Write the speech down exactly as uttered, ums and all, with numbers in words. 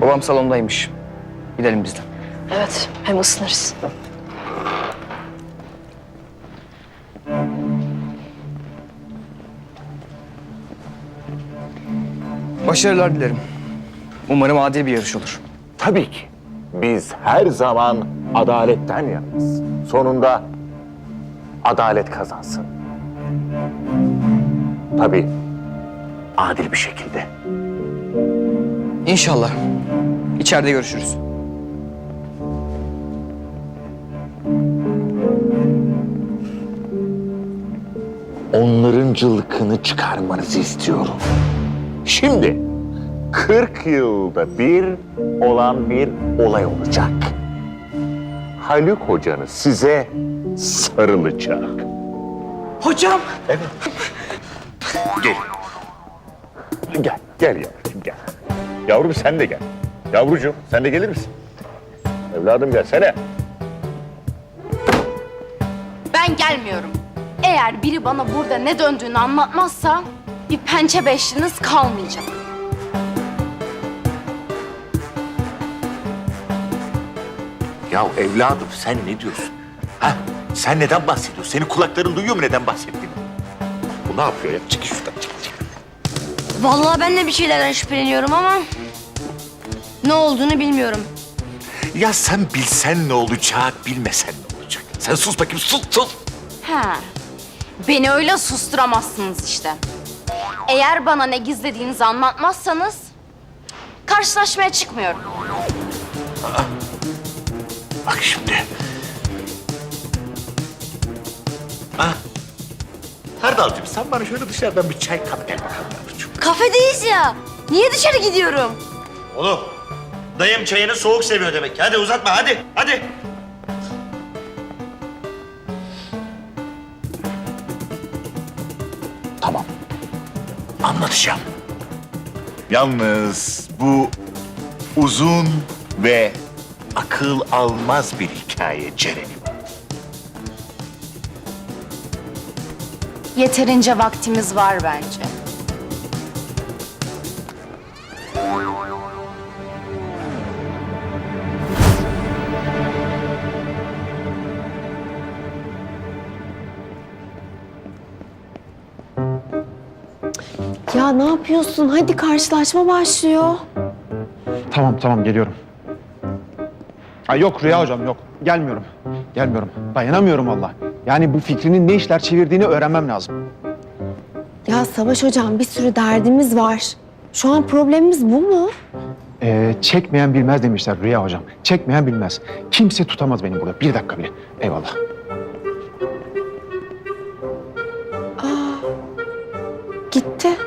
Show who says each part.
Speaker 1: Babam salondaymış. Gidelim biz de.
Speaker 2: Evet, hem ısınırız.
Speaker 1: Başarılar dilerim. Umarım adil bir yarış olur.
Speaker 3: Tabii ki. Biz her zaman adaletten yanayız. Sonunda adalet kazansın. Tabii adil bir şekilde.
Speaker 1: İnşallah. İçeride görüşürüz.
Speaker 3: Onların cılkını çıkarmanızı istiyorum. Şimdi kırk yılda bir olan bir olay olacak. Haluk hocanız size sarılacak.
Speaker 1: Hocam!
Speaker 3: Evet. Gel. Gel, gel yavrucuğum gel. Yavrum sen de gel. Yavrucuğum sen de gelir misin? Evladım gelsene.
Speaker 4: Ben gelmiyorum. Eğer biri bana burada ne döndüğünü anlatmazsa bir pençe beşliniz kalmayacak.
Speaker 3: Ya evladım sen ne diyorsun? Ha? Sen neden bahsediyorsun? Senin kulakların duyuyor mu neden bahsettiğini? Bu ne yapıyor ya? Çık şuradan çık çık.
Speaker 2: Vallahi ben de bir şeylerden şüpheleniyorum ama ne olduğunu bilmiyorum.
Speaker 3: Ya sen bilsen ne olacak, bilmesen ne olacak? Sen sus bakayım, sus sus.
Speaker 4: He. Beni öyle susturamazsınız işte. Eğer bana ne gizlediğinizi anlatmazsanız karşılaşmaya çıkmıyorum.
Speaker 3: Bak şimdi. Ha? Hardalcığım sen bana şöyle dışarıdan bir çay kap gel bakalım yavrucuğum.
Speaker 2: Kafedeyiz ya. Niye dışarı gidiyorum?
Speaker 5: Oğlum, dayım çayını soğuk seviyor demek. Hadi uzatma, hadi, hadi.
Speaker 3: Tamam. Anlatacağım. Yalnız bu uzun ve akıl almaz bir hikaye Ceren'im.
Speaker 4: Yeterince vaktimiz var bence.
Speaker 6: Ya ne yapıyorsun? Hadi karşılaşma başlıyor.
Speaker 7: Tamam tamam geliyorum. Ay yok Rüya hocam yok. Gelmiyorum. Gelmiyorum. Dayanamıyorum valla. Yani bu fikrinin ne işler çevirdiğini öğrenmem lazım.
Speaker 6: Ya Savaş hocam bir sürü derdimiz var. Şu an problemimiz bu mu?
Speaker 7: Ee, çekmeyen bilmez demişler Rüya hocam. Çekmeyen bilmez. Kimse tutamaz beni burada. Bir dakika bile. Eyvallah.
Speaker 6: Gitti.